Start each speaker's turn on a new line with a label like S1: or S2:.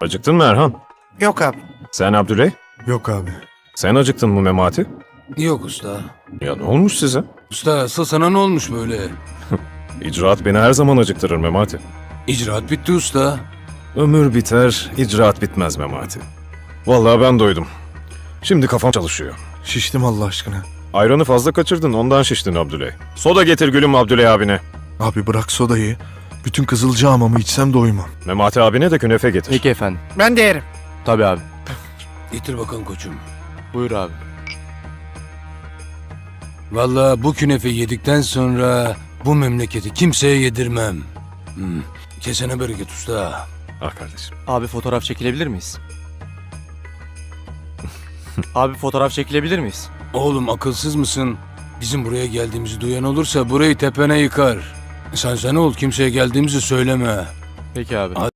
S1: Acıktın mı Erhan?
S2: Yok abi.
S1: Sen Abdüley?
S3: Yok abi.
S1: Sen acıktın mı Memati?
S4: Yok usta.
S1: Ya ne olmuş size?
S4: Usta asıl sana ne olmuş böyle?
S1: İcraat beni her zaman acıktırır Memati.
S4: İcraat bitti usta.
S1: Ömür biter, icraat bitmez Memati. Vallahi ben doydum. Şimdi kafam çalışıyor.
S3: Şiştim Allah aşkına.
S1: Ayranı fazla kaçırdın, ondan şiştin Abdüley. Soda getir gülüm Abdüley abine.
S3: Abi bırak sodayı. Bütün Kızılcahamam'ı içsem doymam.
S1: Memati abine de künefe getir.
S5: Peki efendim.
S2: Ben de yerim.
S5: Tabii abi.
S4: Getir bakalım koçum.
S5: Buyur abi.
S4: Vallahi bu künefe yedikten sonra bu memleketi kimseye yedirmem. Kesene bereket usta.
S1: Ah kardeşim.
S5: Abi fotoğraf çekilebilir miyiz? Abi fotoğraf çekilebilir miyiz?
S4: Oğlum akılsız mısın? Bizim buraya geldiğimizi duyan olursa burayı tepene yıkar. Sen ol kimseye geldiğimizi söyleme.
S5: Peki abi.